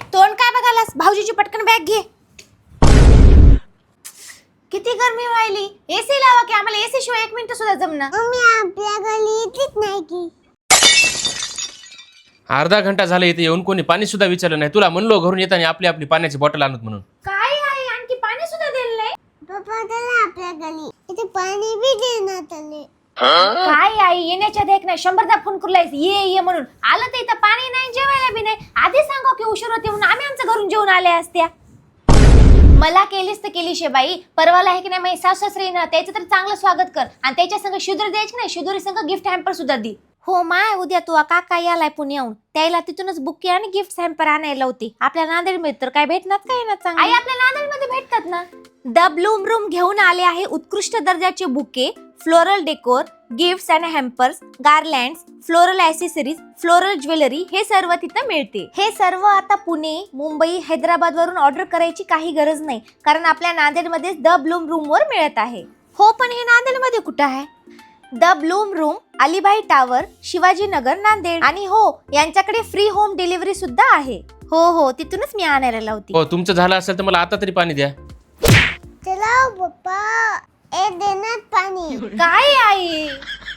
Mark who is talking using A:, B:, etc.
A: तोंड काय बघालास? भाऊजीची पटकन बॅग घे. किती गरमी व्हायली. एसी लावा की, आम्हाला एसी शिवाय 1 मिनिट सुद्धा जमना.
B: मम्मी आपल्या घरी येतच नाही की.
C: अर्धा घंटा झाला इथे येऊन कोणी पाणी सुद्धा विचारलं नाही. तुला म्हणलो घरून येताना आपली आपली पाण्याची बॉटल आणत म्हणून.
A: काय आहे? आणखी पाणी सुद्धा दिलं नाही.
B: पप्पा त्याला आपल्या घरी इथे पाणी बी देण्यात आले.
A: काय आई, येण्याच्या आधी नाही 100दा फोन करूलायस ये म्हणून. आलं तर इथं पाणी नाही, जेवायला बी नाही. आधी सांगा की उशीर होते म्हणून आम्ही आमच्या घरून जेवून आले असत्या. मला केलीस तर केली शेबाई. परवाला आहे की नाही, माझी सासू सासरी ना, त्याचं तर चांगलं स्वागत कर. आणि त्याच्या संग शिदोरी द्यायची नाही, शिदोरी संग गिफ्ट हॅम्पर सुद्धा दे. हो माय, उद्या तू काका यालाय पुण्याहून, त्याला तिथूनच बुके आणि गिफ्ट हॅम्पर आणायला होती. आपल्या नांदेडमध्ये तर काय भेटणार काय ना चांगलं. आई आपल्या नांदेडमध्ये भेटतात ना. द ब्लूम रूम घेऊन आले आहे उत्कृष्ट दर्जाचे bouquet, floral decor, gifts and hampers, garlands, floral accessories, floral jewellery हे सर्व तिथं मिळते. हे सर्व आता पुणे, मुंबई, हैदराबाद वरून ऑर्डर करायची काही गरज नाही, कारण आपल्या नांदेडमध्ये द ब्लूम रूम वर मिळत आहे. हो पण हे नांदेडमध्ये कुठं आहे? The Bloom Room, Alibai tower, Shivajinagar, Nanded. आणि हो, यांच्याकडे फ्री होम डिलिव्हरी सुद्धा आहे. हो तिथूनच मी आणायला लावते.
C: हो तुमचं झालं असेल तर मला आता तरी पाणी द्या.
B: चला पप्पा ए देण्यात पाणी.
A: काय आई?